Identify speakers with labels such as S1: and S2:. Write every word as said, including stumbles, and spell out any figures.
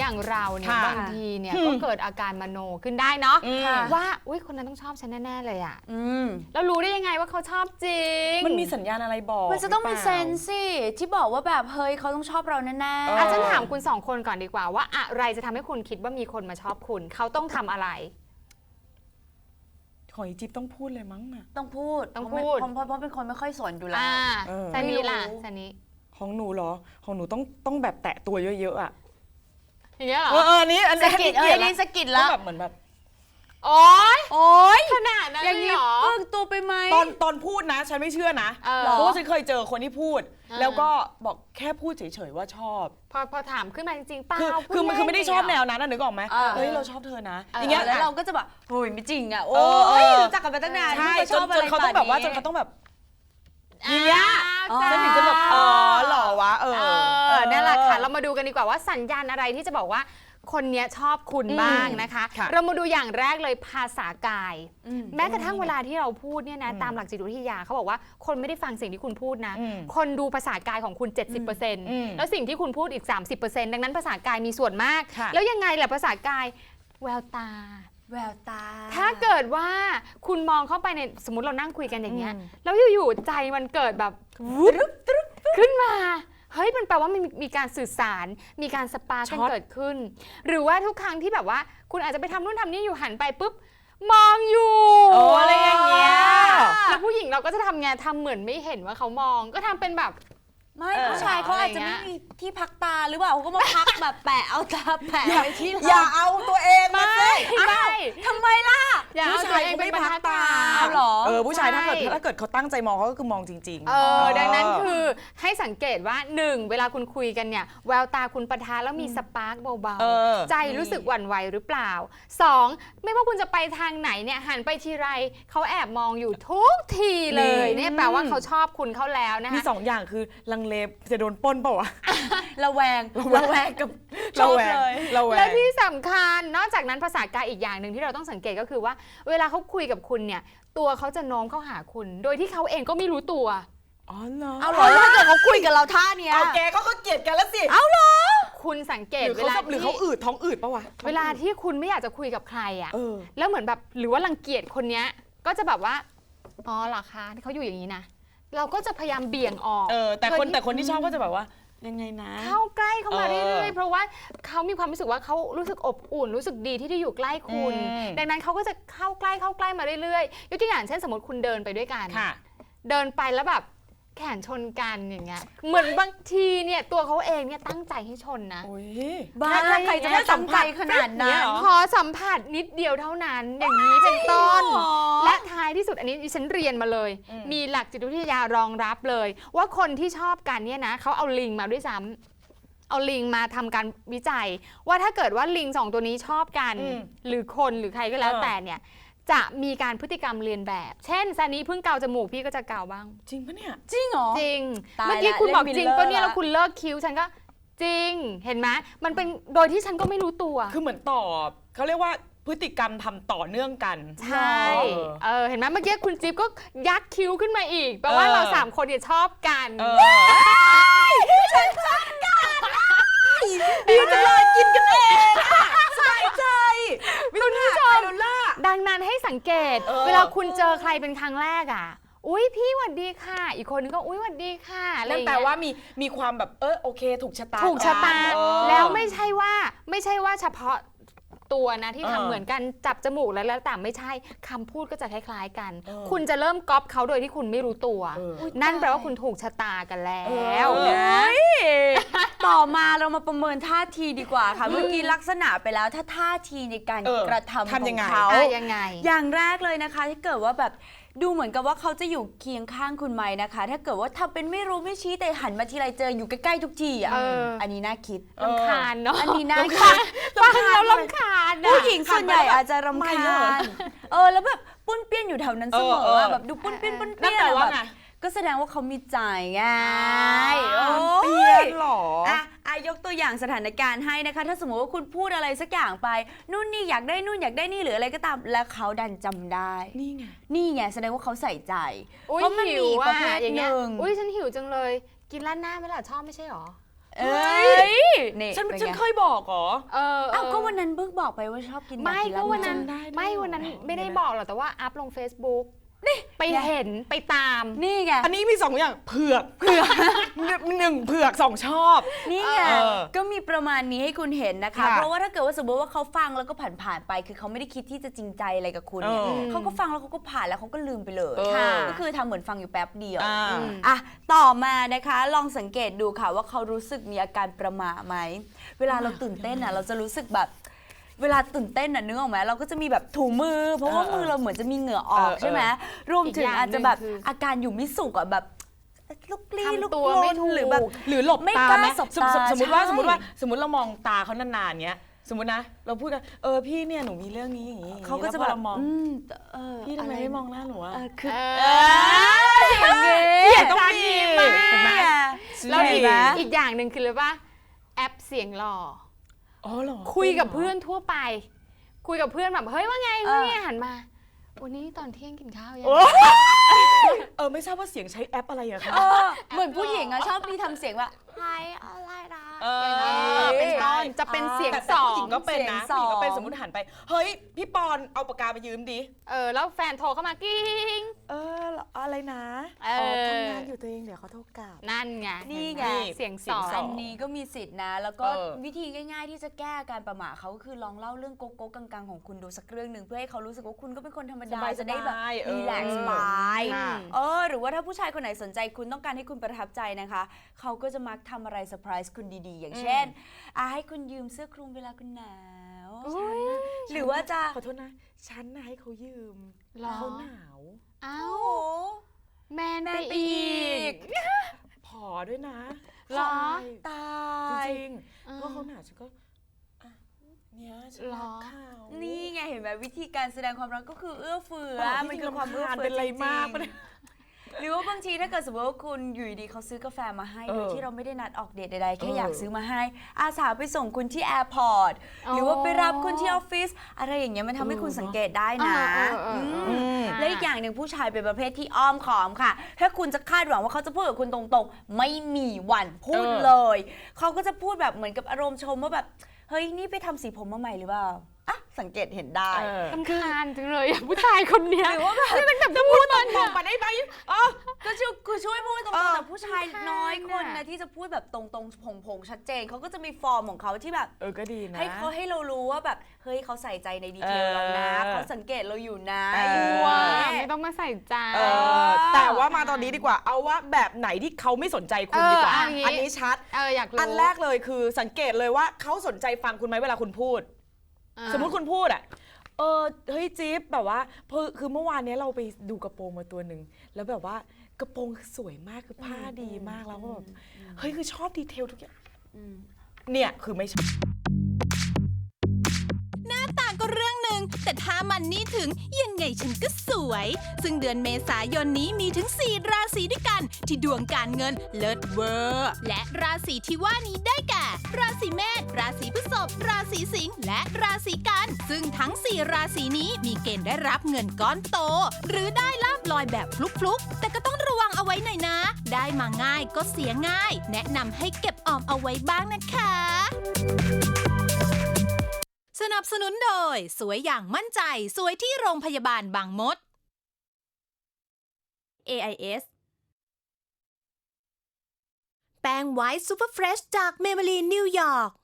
S1: อย่างเราเนี่ยบางทีเนี่ยก็เกิดอาการมโนขึ้นได้เนาะว่าอุ้ยคนนั้นต้องชอบฉันแน่ๆเลยอ่ะแล้วรู้ได้ยังไงว่าเขาชอบจริง
S2: มันมีสัญญาณอะไรบอก
S3: มันจะต้องมีเซนส์สิที่บอกว่าแบบเฮ้ยเขาต้องชอบเราแน่ๆ
S1: อาจารย์ถามคุณสองคนก่อนดีกว่าว่าอะไรจะทำให้คุณคิดว่ามีคนมาชอบคุณเขาต้องทำอะไร
S2: ขออีจิ๊บต้องพูดเลยมั้งน่ะ
S3: ต้องพูด
S1: ต้องพูด
S3: เพราะเพราะเป็นคนไม่ค่อยสนอยู่แล้ว
S1: ซานีล่ะซานี
S2: ของหนูเหรอของหนูต้องต้องแบบแตะตัวเยอะๆอ่ะ
S1: อย่างเงี้ยเหรอ
S2: เออนี้อันนี้
S3: สกิดเอ้ยนี่สกิดแล้ว
S2: แบบเหมือนแบบ
S1: โอ๊ย
S3: โอ๊ย
S1: ขนาดนั้น
S3: อย่างนี้เพิ่งตัวไปไหม
S2: ตอนตอนพูดนะฉันไม่เชื่อนะเพราะว่าฉันเคยเจอคนที่พูดแล้วก็บอกแค่พูดเฉยๆว่าชอบ
S1: พอพอถามขึ้นมาจริงๆเปล่า
S2: คือมันคือไม่ได้ชอบแนวนั้นนะนึกออกไหมเฮ้ยเราชอบเธอนะอย่างเงี้ย
S3: แล้วเราก็จะแบบโอ้ยไม่จริงอ่ะโอ้ยรู้จักกันมาตั้งนาน
S2: ใช่จนจนเขาต้องแบบว่าจนเขาต้องแบบอย่างเงี้ยฉันถึงจะแบบอ๋อหล่อวะเออ
S1: นั่นแหละค่ะเรามาดูกันดีกว่าว่าสัญญาณอะไรที่จะบอกว่าคนนี้ชอบคุณบ้างนะคะเรามาดูอย่างแรกเลยภาษากายแม้กระทั่งเวลาที่เราพูดเนี่ยนะตามหลักจิตวิทยาเขาบอกว่าคนไม่ได้ฟังสิ่งที่คุณพูดนะคนดูภาษากายของคุณ เจ็ดสิบเปอร์เซ็นต์ แล้วสิ่งที่คุณพูดอีก สามสิบเปอร์เซ็นต์ ดังนั้นภาษากายมีส่วนมากแล้วยังไงแหละภาษากายแววตา
S3: แววตา
S1: ถ้าเกิดว่าคุณมองเข้าไปในสมมติเรานั่งคุยกันอย่างเงี้ยแล้วอยู่ๆใจมันเกิดแบบวุ๊บขึ้นมาเฮ้ยมันแปลว่ามีมีการสื่อสารมีการสปาร์กันเกิดขึ้นหรือว่าทุกครั้งที่แบบว่าคุณอาจจะไปทำนู่นทำนี่อยู่หันไปปุ๊บมองอยู่อะไรอย่างเงี้ยแล้วผู้หญิงเราก็จะทำไงทำเหมือนไม่เห็นว่าเขามองก็ทำเป็นแบบ
S3: ไม่ผู้ชายเขาอาจจะไม่มีที่พักตาหรือเปล่าเขาก็มาพักแบบแปะเอาตาแปะไปที่
S2: อย่าเอาตัวเองมาสิ
S3: ไม่ทำไมล่ะ
S1: ผู้ชายเขาไม่พักตา
S3: หรอ
S2: เออผู้ชายถ้าเกิดถ้าเกิดเขาตั้งใจมองเขาก็คือมองจริงๆ
S1: เออดังนั้นคือให้สังเกตว่าหนึ่งเวลาคุณคุยกันเนี่ยแววตาคุณปะทะแล้วมีสปาร์กเบาๆใจรู้สึกหวั่นไหวหรือเปล่าสองไม่ว่าคุณจะไปทางไหนเนี่ยหันไปทีไรเขาแอบมองอยู่ทุกทีเลยเนี่ยแปลว่าเขาชอบคุณเขาแล้วนะคะ
S2: มีสองอย่างคือลังเลจะโดนปล้นเปล่าวะ
S3: ระแวงระแวงกับ
S2: ระแวง
S1: และที่สำคัญนอกจากนั้นภาษากายอีกอย่างหนึ่งที่เราต้องสังเกตก็คือว่าเวลาเขาคุยกับคุณเนี่ยตัวเขาจะโน้มเข้าหาคุณโดยที่เขาเองก็ไม่รู้ตัว
S2: อ๋อเหรอ
S3: เอาเหรอถ้าเกิดเขาคุยกับเราท่าเนี้ย
S2: เอาแกเขาก็เกลียดกันแล้วสิ
S3: เอาเหรอ
S1: คุณสังเกตเวลา
S2: หรือเขาอืดท้องอืดปะวะ
S1: เวลาที่คุณไม่อยากจะคุยกับใครอ่ะแล้วเหมือนแบบหรือว่ารังเกียจคนเนี้ยก็จะแบบว่าอ๋อเหรอคะเขาอยู่อย่างนี้นะเราก็จะพยายามเบี่ยงออก
S2: เออแต่คนแต่คนที่ชอบก็จะแบบว่ายังไงนะ
S1: เข้าใกล้เข้ามาเรื่อยๆเพราะว่าเขามีความรู้สึกว่าเขารู้สึกอบอุ่นรู้สึกดีที่ได้อยู่ใกล้คุณดังนั้นเขาก็จะเข้าใกล้เข้าใกล้มาเรื่อยๆยกตัวอย่างเช่นสมมติคุณเดินไปด้วยกันเดินไปแล้วแบบแขนชนกันอย่างเงี้ยเหมือนบางทีเนี่ยตัวเขาเองเนี่ยตั้งใจให้ชนนะ
S3: บ้าใครจะไม่ตั้งใจขนาดนั้น
S1: ขอสัมผัสนิดเดียวเท่านั้นอย่างนี้เป็นต้นและท้ายที่สุดอันนี้ดิฉันเรียนมาเลยมีหลักจิตวิทยารองรับเลยว่าคนที่ชอบกันเนี่ยนะเขาเอาลิงมาด้วยซ้ำเอาลิงมาทำการวิจัยว่าถ้าเกิดว่าลิงสองตัวนี้ชอบกันหรือคนหรือใครก็แล้วแต่เนี่ยจะมีการพฤติกรรมเรียนแบบเช่นซานีเพิ่งเกาจมูกพี่ก็จะเกาบ้าง
S2: จริงปะเนี่ย
S3: จริงเหรอ
S1: จริงเมื่อกี้คุณบอกจริงปะเนี่ยแล้วคุณเลิกคิ้วฉันก็จริงเห็นไหมมันเป็นโดยที่ฉันก็ไม่รู้ตัว
S2: คือเหมือนตอบเขาเรียกว่าพฤติกรรมทำต่อเนื่องกัน
S1: ใช่เออเห็นไหมเมื่อกี้คุณจิ๊บก็ยักคิ้วขึ้นมาอีกแปลว่าเราสามคนเนี่ยชอบกัน
S3: ฉันชอบกันดีจังเลยกินกันเองสบายใจ
S1: คุณผู้ชมดังนั้นให้สังเกตเวลาคุณเจอใครเป็นครั้งแรกอ่ะอุ้ยพี่หวัดดีค่ะอีกคนนึงก็อุ้ยหวัดดีค่ะ
S2: นั่นแปลว่ามีมีความแบบเออโอเคถูกชะตา
S1: ถูกชะตาแล้วไม่ใช่ว่าไม่ใช่ว่าเฉพาะตัวนะที่ทำเหมือนกันจับจมูกแล้วแล้วแต่ไม่ใช่คำพูดก็จะคล้ายๆกันคุณจะเริ่มก๊อปเขาโดยที่คุณไม่รู้ตัวนั่นแปลว่าคุณถูกชะตากันแล้วนะ
S3: ต่อมาเรามาประเมินท่าทีดีกว่าค่ะเมื่อกี้ลักษณะไปแล้วถ้าท่าทีในการกระทำของเขา
S1: ยังไง
S3: อย่างแรกเลยนะคะที่เกิดว่าแบบดูเหมือนกับว่าเขาจะอยู่เคียงข้างคุณไหมนะคะถ้าเกิดว่าทำเป็นไม่รู้ไม่ชี้แต่หันมาทีไรเจออยู่ใกล้ๆทุกทีอ่ะอันนี้น่าคิด
S1: รำคาญเนาะ
S3: อันนี้น่าคิด
S1: ฟังแล้วรำคาญ
S3: ผู้หญิงส่วนใหญ่อาจจะรำคาญเออแล้วแบบปุ้นเปี้ยนอยู่แถวนั้นเสมอแบบดูปุ้นเปี้ยนปุ้นเปี้ยนแบบก็แสดงว่าเขามีใจไง
S2: เปี้ยนหรอ
S3: อ่ะอายกตัวอย่างสถานการณ์ให้นะคะถ้าสมมติว่าคุณพูดอะไรสักอย่างไปนู่นนี่อยากได้นู่นอยากได้นี่หรืออะไรก็ตามแล้วเขาดันจำได้
S2: นี่ไง
S3: นี่ไงแสดงว่าเขาใส่ใจ
S1: เพราะมันมีประเภทหนึ่งอุ้ยฉันหิวจังเลยกินร้านหน้าไหมล่ะชอบไม่ใช่หรอ
S3: เอ้ยนี่
S2: ฉัน
S3: เป็น
S2: ฉัน
S3: ไง
S2: เคยบอกเหรอ
S1: เออ
S3: อ้าวก็วันนั้นเบิกบอกไปว่าชอบกิน
S1: ไม่
S3: อยา
S1: ก็
S3: กิ
S1: วันนั้น
S3: ร้า
S2: ได้ด้วย
S1: ไม่วันนั้น
S2: เหรอ
S1: ไม่ได้
S2: เดี๋ยวนะ
S1: บอกหรอกแต่ว่าอัพลง Facebook นี่ไปเห็นไปตาม
S3: นี่ไง
S2: อันนี้มีสองอย่างเผือกเผือกหนึ่งเผือกสองชอบ
S3: นี่ไง
S2: เออ
S3: ก็มีประมาณนี้ให้คุณเห็นนะคะ
S2: ค่ะ
S3: เพราะว่าถ้าเกิดว่าสมมติว่าเขาฟังแล้วก็ผ่านๆไป คือเขาไม่ได้คิดที่จะจริงใจอะไรกับคุณเนี่ย
S2: เออ
S3: เขาก็ฟังแล้วเขาก็ผ่านแล้วเขาก็ลืมไปเลย
S2: เออ
S3: ค่ะก็คือทำเหมือนฟังอยู่แป๊บเดียว
S2: อ่า
S3: อ่ะต่อมานะคะลองสังเกตดูค่ะว่าเขารู้สึกมีอาการประหม่าไหมเวลาเราตื่นเต้นอ่ะเราจะรู้สึกแบบ เวลาตื่นเต้นน่ะนึกออกไหมเราก็จะมีแบบถูมือ เพราะว่า
S2: เออ
S3: มือเราเหมือนจะมีเหงื่อออก
S2: เออ
S3: ใช่ไหมรวมถึง
S1: อีกอย่าง
S3: อาจจะแบบ
S1: หนึ่งคือ
S3: อาการอยู่ไม่สุขอ่ะแบบลุกลี้
S1: ทำ
S3: ลุก
S1: ตัว
S3: ล
S1: ไม่
S3: น
S1: ถูก
S3: หรือแบบ
S2: หรือหลบ
S3: ไม่
S2: ตาก
S3: ล้า
S2: ไหม
S3: สบ
S2: สม
S3: ตา
S2: สมมติว่า
S3: ใช่
S2: สมมติว่าสมมติเรามองตาเขานานๆเนี้ยสมมตินะ เราพูดกันเออพี่เนี่ยหนูมีเรื่องนี้อย่างนี้อย่างนี้
S3: เขาก็จะ
S2: ล้วพ
S3: แบ
S2: อบ เรามอง
S3: อืมเออ
S2: พี่ทำไม
S3: อะร
S2: ไม่มองหน้าหนูอะ
S3: เออคือ
S1: เอ
S3: เอ
S1: อ
S3: ออย่างงี้
S2: เกลียดต้องมี
S1: มาก
S2: เห็นไหม
S1: แล้วอีก
S3: เห็นไหม
S1: อีกอย่างหนึ่งคือเลยว่าแอปเสียงหล่อ
S2: อ๋อเหรอ
S1: คุยกับเพื่อนทั่วไป คุยกับเพื่อนแบบเฮ้ยว่าไงว่าไงหันมาวันนี้ตอนเที่ยงกินข้าวยัง
S2: โอ้เออไม่ทราบว่าเสียงใช้แอปอะไรอะคะ
S3: เออเหมือนผู้หญิงอะชอบมีทำเสียงว่าไฮอะไรนะ
S2: เออ
S1: อย่างเงี้ยเป็นต้นจะเป็นเสียง
S2: แต่
S1: ส
S2: แต่
S1: อ
S2: ผู้ห
S1: ง
S2: ญิงก็เป็นนะ
S3: เสียง
S2: ผู้หญิงก็เป็น
S3: สอง
S2: สมมติหันไปเฮ้ยพี่ปอนเอาปากกาไปยืมดิ
S1: เออแล้วแฟนโทรเข้ามากิ้ง
S2: เอออะไรนะ
S1: เอออ๋
S2: ทำงานอยู่ตัวเองเดี๋ยวเขาโทรกลับ
S1: นั่นไง
S3: นี่ไง
S1: เสียงส
S2: เสีย
S1: อง ง
S2: ส
S3: อั
S2: ง
S3: นนี้ก็มีสิทธินะ แล้วก็
S2: เออ
S3: วิธีง่ายๆที่จะแก้อาการประหม่าเขาก็คือลองเล่าเรื่องโกโก้กังๆของคุณดูสักเรื่องหนึ่งเพื่อให้เขารู้สึกว่าคุณก็เป็นคนธรรมดา
S2: สบายๆ
S3: จะได้แบบ
S2: เออ
S3: รีแลกซ์ไป
S1: ค่ะ
S3: เออหรือว่าถ้าผู้ชายคนไหนสนใจคุณต้องการให้คุณประทับใจนะคะ เขาก็จะมักทำอะไรเซอร์ไพรส์คุณดีๆ อย่างเช่นอ่ะให้คุณยืมเสื้อคลุมเวลาคุณหนาว
S1: อุ๊ย
S3: หรือว่าจะ
S2: ขอโทษนะ ฉันน่ะให้เขายืม
S1: หรอ
S2: เขาหนาว
S1: อ้า
S3: โอ้
S1: ว
S3: โห
S1: แมน
S3: แม
S1: ไป
S3: นไป
S1: อี
S3: อี
S1: ก
S3: ก
S2: ผอด้วยนะ
S1: หรอ
S3: ตา
S2: ใช่
S3: ย
S2: จริง
S1: เออ
S2: ๆเพราะเขาหนาวฉันก็อ่ะเนี่ยฉัน
S1: หร
S2: รั
S1: อ
S2: กเขา
S3: นี่ไงเห็นไหมวิธีการแสดงความรักก็คือเอื้อเฟื้อ
S2: เออ
S3: มันคือความ
S2: พี่
S3: เอื้อ
S2: รำคาญ
S3: เฟื้อ
S2: เป็นไร
S3: จริงๆ
S2: มากปะเนี่ย
S3: หรือว่าบางทีถ้าเกิดสมมติว่าคุณอยู่ดีๆเขาซื้อกาแฟมาให้
S2: เออ
S3: โดยที่เราไม่ได้นัดออกเดทใดๆแค่
S2: เออ
S3: อ
S2: อ
S3: ยากซื้อมาให้ อาสาไปส่งคุณที่แอร์พอร์ตหรือว่าไปรับคุณที่ออฟฟิศอะไรอย่างเงี้ยมันทำให้คุณสังเกตได้นะ
S1: เออเออเออเออ
S3: มและอีกอย่างหนึ่งผู้ชายเป็นประเภทที่อ้อมขอมค่ะ ถ้าคุณจะคาดหวังว่าเขาจะพูดกับคุณตรงๆ ไม่มีวันพูด
S2: เออ
S3: เลย เขาก็จะพูดแบบเหมือนกับอารมณ์ชมว่าแบบเฮ้ยนี่ไปทำสีผมมาใหม่หรือเปล่าอ่ะสังเกตเห็นได้
S2: เออ
S1: รำคาญจังเลยอะผู้ชายคนเนี้ย
S3: หรือว่าแบบ
S1: นี่มันแบบจะพูดมัน
S2: มองไปได้ไหมอ๋อ
S3: ก็ช่วยคือช่วยพูดตรง
S2: เอ
S3: ๆ
S2: อ
S3: แต่ผู้ชายน้อยคน
S1: รำคาญ
S3: นะ
S1: อะ
S3: ที่จะพูดแบบตรงๆผงๆชัดเจนเขาก็จะมีฟอร์มของเขาที่แบบ
S2: เออก็ดีนะ
S3: ให้เขาให้เรารู้ว่าแบบเฮ้ยเขาใส่ใจในดีเทลเรานะ
S2: เออ
S3: เขาสังเกตเราอยู่นะ
S2: เออ
S3: อยู่
S1: ว่า
S3: นะ
S1: ไม่ต้องมาใส่ใจ
S2: เออแต่ว่ามาตอนนี้ดีกว่า เอาว่าแบบไหนที่เขาไม่สนใจคุณดีกว่า
S1: เออเอาอย่างงี้
S2: อันนี้ชัด
S1: เอออยากรู้
S2: อันแรกเลยคือสังเกตเลยว่าเขาสนใจฟังคุณไหมเวลาคุณพูด
S1: อ่า
S2: สมมุติคุณพูดอ่ะ เออเฮ้ยจิ๊บแบบว่าเพอคือเมื่อวานเนี้ยเราไปดูกระโปรงมาตัวหนึ่งแล้วแบบว่ากระโปรงคือสวยมากคือผ้าดีมากแล้วก็แบบเฮ้ยคือชอบดีเทลทุกอย่าง
S3: อืม
S2: เนี่ยคือไม่ชอบ
S4: ต่างก็เรื่องหนึ่งแต่ถ้ามันนี่ถึงยังไงฉันก็สวย ซึ่งเดือนเมษายนนี้มีถึงสี่ราศีด้วยกัน ที่ดวงการเงินเลิศเวอร์ และราศีที่ว่านี้ได้แก่ ราศีเมษราศีพฤษภราศีสิงห์และราศีกัน ซึ่งทั้งสี่ราศีนี้มีเกณฑ์ได้รับเงินก้อนโต หรือได้ลาบลอยแบบฟลุกๆแต่ก็ต้องระวังเอาไว้หน่อยนะ ได้มาง่ายก็เสียง่าย แนะนำให้เก็บออมเอาไว้บ้างนะคะ สนับสนุนโดยสวยอย่างมั่นใจสวยที่โรงพยาบาลบางมด เอ ไอ เอส แป้งไวท์ซูเปอร์เฟรชจากเมเบลีนนิวยอร์ก